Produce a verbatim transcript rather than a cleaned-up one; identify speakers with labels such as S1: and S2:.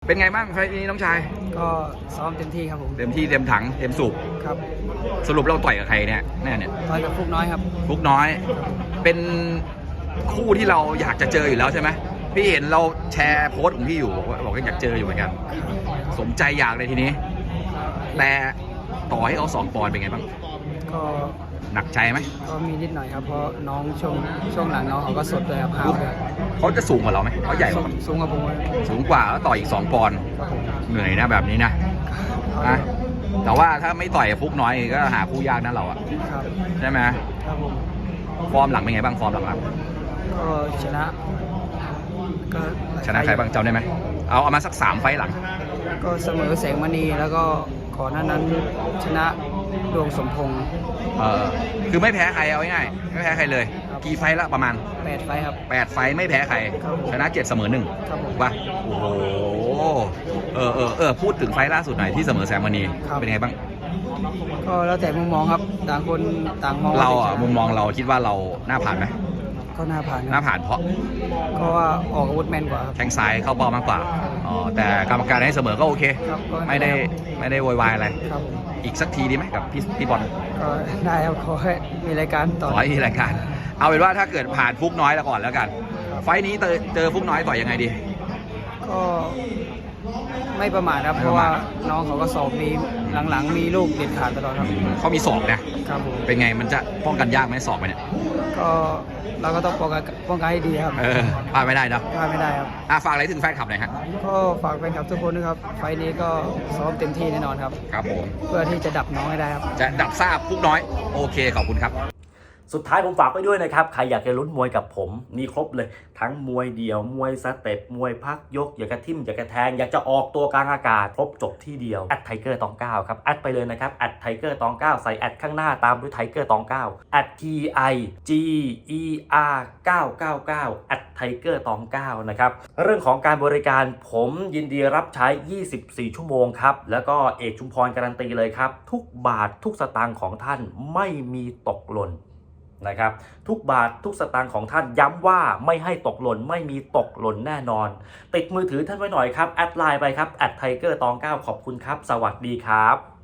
S1: เป็นไงบ้างไฟล์นี้น้องชาย
S2: ก็ซ้อมเต็มที่ครับผม
S1: เต็มที่เต็มถังเต็มสูบ
S2: ครับ
S1: สรุปเราต่อยกับใครเนี่ยแน่เนี่ย
S2: ต่อยกับฟุกน้อยครับ
S1: ฟุกน้อยเป็นคู่ที่เราอยากจะเจออยู่แล้วใช่ไหมพี่เห็นเราแชร์โพสต์ของพี่อยู่บอกว่าบอกว่าอยากเจออยู่เหมือนกันสมใจอยากเลยทีนี้แต่ต่อให้เขาสองปอนด์เป็นไงบ้าง
S2: ก็
S1: หนักใจไหม
S2: ก็มีนิดหน่อยครับเพราะน้องช่วงช่วงหลังน้องเขาก็สดเลยครับห้าวเลย
S1: เขาจะสูงกว่าเราไหมเขาใหญ่กว่า
S2: สูงกว่าผม
S1: สูงกว่าแล้วต่ออีกสองปอนด์เหนื่อยนะแบบนี้นะนะแต่ว่าถ้าไม่ต่อยฟุกน้อยก็หาคู่ยากนั่นเราอะใช่ไหม
S2: ครับผม
S1: ฟอร์มหลังเป็นไงบ้างฟอร์มหลัง
S2: ๆก็ชนะ
S1: ก็ชนะใครบ้างจำได้ไหมเอาเอามาสักสามไฟหลัง
S2: ก็เสมอแสงมณีแล้วก็ก่อนหน้านั้นชนะดวงสมพงษ์
S1: เออคือไม่แพ้ใครเอาง่ายๆไม่แพ้ใครเลยกี่ไฟละประมาณ
S2: แปดไฟครับ
S1: แปดไฟไม่แพ้ใครชนะเจ็ดเสมอหนึ่งป่ะโอ้โหเออเออเออพูดถึงไฟล่าสุดหน่อยที่เสมอแสงมณีเป็นไงบ้าง
S2: ก็แล้วแต่มุมมองครับต่างคนต่างมอง
S1: เราอ่ะมุมมองเราคิดว่าเราหน้าผ่านไหม
S2: ก็หน้าผ่าน
S1: หน้าผ่านเพราะ
S2: ก็ว่าออกอาวุธแม่นกว่า
S1: แข้งซ้ายเข้าเป้ามากกว่าอ๋อแต่กรรมการให้เสมอก็โอเคไม่ได้ไม่ได้โวยวายอะไรอีกสักทีดีไหมกับพี่พี่บอล
S2: ก็ได้ครับขอให้มีรายการต่อ
S1: ขอให้มีรายการเอาเป็นว่าถ้าเกิดผ่านฟุกน้อยแล้วก่อนแล้วกันไฟนี้เจอเจอฟุกน้อยต่อยังไงดี
S2: ก็ไม่ประมาทครับเพราะว่าน้องเขาก็สอบมีหลังๆมีลูกเด็ดขาดตลอดครับ
S1: เขามีศอกนะครับเป็นไงมันจะป้องกันยากไหมศอกไปเนี่ย
S2: ก็เราก็ต้องป้องกันป้องกันให้ดีครับ
S1: เออพลาดไม่ได้นะ
S2: พลาดไม่ได้ครับ
S1: อ่ะฝากอะไรถึงแฟนคลับหน่อยฮะ
S2: ก็ฝากแฟนคลับทุกคนนะครับไฟนี้ก็ซ้อมเต็มที่แน่นอนครับ
S1: ครับผม
S2: เพื่อที่จะดับน้องให้ได้ครับ
S1: จะดับทราบฟุกน้อยโอเคขอบคุณครับ
S3: สุดท้ายผมฝากไว้ด้วยนะครับใครอยากจะลุ้นมวยกับผมมีครบเลยทั้งมวยเดี่ยวมวยสเต็ปมวยพักยกอยากกระทิ่มอยากกระแทงอยากจะออกตัวกลางอากาศครบจบที่เดียวแอดไทเกอร์ตองเก้าครับแอดไปเลยนะครับแอดไทเกอร์ตองเก้าใส่แอดข้างหน้าตามด้วยไทเกอร์ตองเก้าแอด T I G E R เก้าเก้าเก้าแอดไทเกอร์ตองเก้านะครับเรื่องของการบริการผมยินดีรับใช้ยี่สิบสี่ชั่วโมงครับแล้วก็เอกชุมพรการันตีเลยครับทุกบาททุกสตางค์ของท่านไม่มีตกหล่นนะครับทุกบาททุกสตางค์ของท่านย้ำว่าไม่ให้ตกหล่นไม่มีตกหล่นแน่นอนติดมือถือท่านไว้หน่อยครับแอดไลน์ไปครับแอดไทเกอร์ตองเก้าขอบคุณครับสวัสดีครับ